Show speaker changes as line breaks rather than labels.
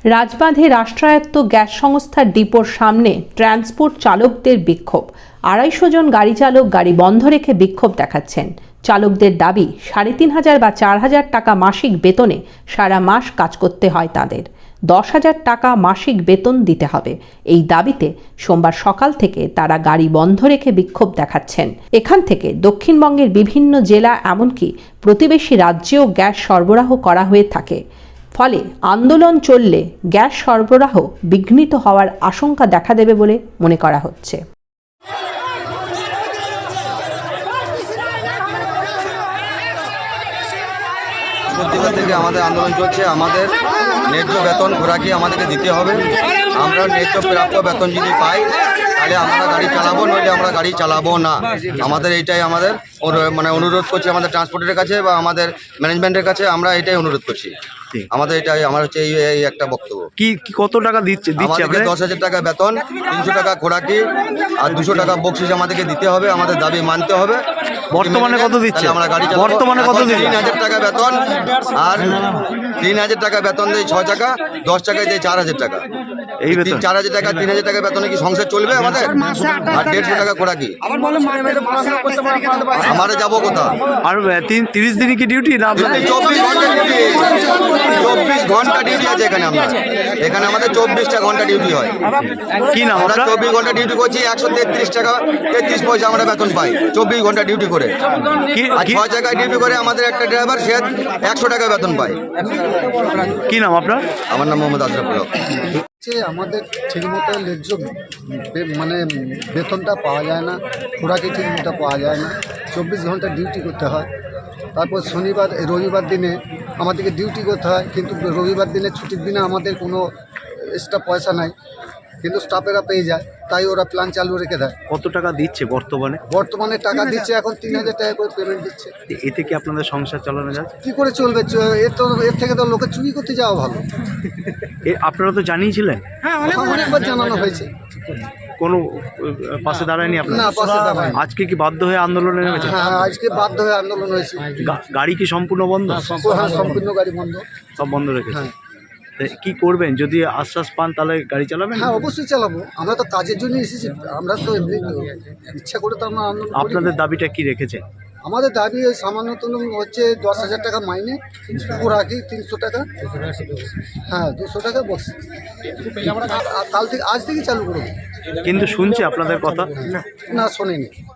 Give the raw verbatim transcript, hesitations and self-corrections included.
রাজবাঁধে রাষ্ট্রায়ত্ত গ্যাস সংস্থার ডিপোর সামনে ট্রান্সপোর্ট চালকদের বিক্ষোভ। আড়াইশো জন গাড়ি চালক গাড়ি বন্ধ রেখে বিক্ষোভ দেখাচ্ছেন। চালকদের দাবি, সাড়ে তিন হাজার বা চার হাজার টাকা মাসিক বেতনে সারা মাস কাজ করতে হয় তাদের। দশ হাজার টাকা মাসিক বেতন দিতে হবে। এই দাবিতে সোমবার সকাল থেকে তারা গাড়ি বন্ধ রেখে বিক্ষোভ দেখাচ্ছেন। এখান থেকে দক্ষিণবঙ্গের বিভিন্ন জেলা এমনকি প্রতিবেশী রাজ্যেও গ্যাস সরবরাহ করা হয়ে থাকে। ফলে আন্দোলন চললে গ্যাস সরবরাহ বিঘ্নিত হওয়ার আশঙ্কা দেখা দেবে বলে মনে করা হচ্ছে।
প্রত্যেকটা থেকে আমাদের আন্দোলন চলছে। আমাদের ন্যায্য বেতন খোরাকি আমাদেরকে দিতে হবে। আমরা ন্যায্য প্রাপ্য বেতন যদি পাই তাহলে আমরা গাড়ি চালাবো, নইলে আমরা গাড়ি চালাবো না। আমাদের এইটাই আমাদের মানে অনুরোধ করছি আমাদের ট্রান্সপোর্টের কাছে বা আমাদের ম্যানেজমেন্টের কাছে। আমরা এটাই অনুরোধ করছি। আমাদের এটাই আমার হচ্ছে এই একটা বক্তব্য।
কি কত টাকা দিচ্ছে?
আমাদেরকে দশ হাজার টাকা বেতন, তিনশো টাকা খোরাকি আর দুশো টাকা বকশিস আমাদেরকে দিতে হবে। আমাদের দাবি মানতে হবে।
বর্তমানে কত দিচ্ছে?
আমরা গাড়ি
বর্তমানে কত দিচ্ছে?
তিন হাজার টাকা বেতন আর তিন হাজার টাকা বেতন দেয় ছয় টাকা, দশ টাকায় দেয় চার হাজার টাকা।
এই বেতন
চার হাজার টাকা তিন হাজার টাকা বেতনে কি সংসার চলবে আমাদের? আর দেড়শো টাকা খোরাকি। আমারে যাবো কোথা?
আর তিন তিরিশ দিনই কি ডিউটি না?
চব্বিশ ঘন্টা ডিউটি, চব্বিশ ঘন্টা ডিউটি আছে এখানে। আমরা এখানে আমাদের চব্বিশটা ঘন্টা ডিউটি হয়।
কি না
আমরা চব্বিশ ঘন্টা ডিউটি করছি, একশো তেত্রিশ টাকা তেত্রিশ পয়সা আমরা বেতন পাই চব্বিশ ঘন্টা ডিউটি করে। আর ছয় জায়গায় ডিউটি করে আমাদের একটা ড্রাইভার সে একশো টাকা বেতন পায়।
কি নাম আপনার?
আমার নাম মোহাম্মদ আশরাফুল হক।
আমাদের ঠিকমতো ন্যায্য মানে বেতনটা পাওয়া যায় না, খোরাকি ঠিকমতো পাওয়া যায় না। চব্বিশ ঘন্টা ডিউটি করতে হয়। তারপর শনিবার রবিবার দিনে আমাদেরকে ডিউটি করতে হয়, কিন্তু রবিবার দিনে ছুটির দিনে আমাদের কোনো এক্সট্রা পয়সা নাই, কিন্তু স্টাফেরা পেয়ে যায়, তাই ওরা প্ল্যান চালু রেখে দেয়।
কত টাকা দিচ্ছে বর্তমানে?
বর্তমানে টাকা দিচ্ছে এখন তিন হাজার টাকা করে পেমেন্ট দিচ্ছে।
এতে কি আপনাদের সংসার চালানো যায়?
কী করে চলবে? এর তো এর থেকে তো লোকে চুরি করতে যাওয়া ভালো।
আপনারা তো জানিয়েছিলেন?
হ্যাঁ, অনেকবার জানানো হয়েছে।
কোনো পাশে দাঁড়ায়নি আপনার?
না, পাশে দাঁড়ায়নি।
আজকে কি বাধ্য হয়ে আন্দোলনে নেমেছে?
হ্যাঁ, আজকে বাধ্য হয়ে আন্দোলন হয়েছে।
গাড়ি কি সম্পূর্ণ বন্ধ?
হ্যাঁ, সম্পূর্ণ গাড়ি বন্ধ,
সব বন্ধ রেখেছে। কি করবেন? যদি আশ্বাস পান তাহলে গাড়ি চালাবেন?
হ্যাঁ, অবশ্যই চালাবো। আমরা তো কাজের জন্য এসেছি, আমরা তো এমনি ইচ্ছা করে তো আমরা আন্দোলন করি।
আপনাদের দাবিটা কি রেখেছে?
আমাদের দাবি সামান্যতম হচ্ছে দশ হাজার টাকা মাইনে, খোরাকি তিনশো টাকা, হ্যাঁ দুশো টাকা বস। কাল থেকে আজ থেকে চালু করবো।
কিন্তু শুনছি আপনাদের কথা?
না, শোনেনি।